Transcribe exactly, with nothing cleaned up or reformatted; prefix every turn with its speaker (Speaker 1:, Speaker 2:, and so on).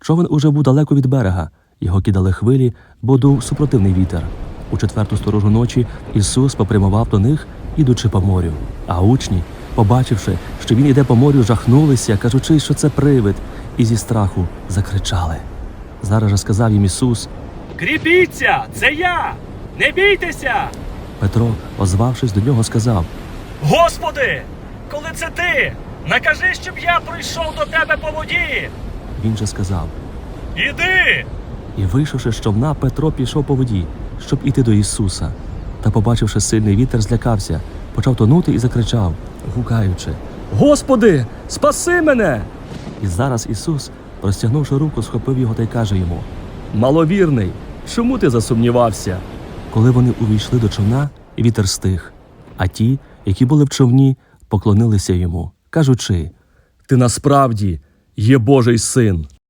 Speaker 1: Човен уже був далеко від берега. Його кидали хвилі, бо дув супротивний вітер. У четверту сторожу ночі Ісус попрямував до них, ідучи по морю. А учні, побачивши, що він іде по морю, жахнулися, кажучи, що це привид, і зі страху закричали. Зараз же сказав їм Ісус:
Speaker 2: «Кріпіться, це я! Не бійтеся!»
Speaker 1: Петро, озвавшись до нього, сказав:
Speaker 2: «Господи, коли це ти, накажи, щоб я прийшов до тебе по воді!»
Speaker 1: Він же сказав:
Speaker 2: «Іди!»
Speaker 1: І, вийшовши з човна, Петро пішов по воді, щоб іти до Ісуса. Та, побачивши сильний вітер, злякався, почав тонути і закричав, гукаючи:
Speaker 2: «Господи, спаси мене!»
Speaker 1: І зараз Ісус, розтягнувши руку, схопив його та й каже йому:
Speaker 2: «Маловірний, чому ти засумнівався?»
Speaker 1: Коли вони увійшли до човна, вітер стих, а ті, які були в човні, поклонилися йому, кажучи:
Speaker 2: «Ти насправді є Божий син!»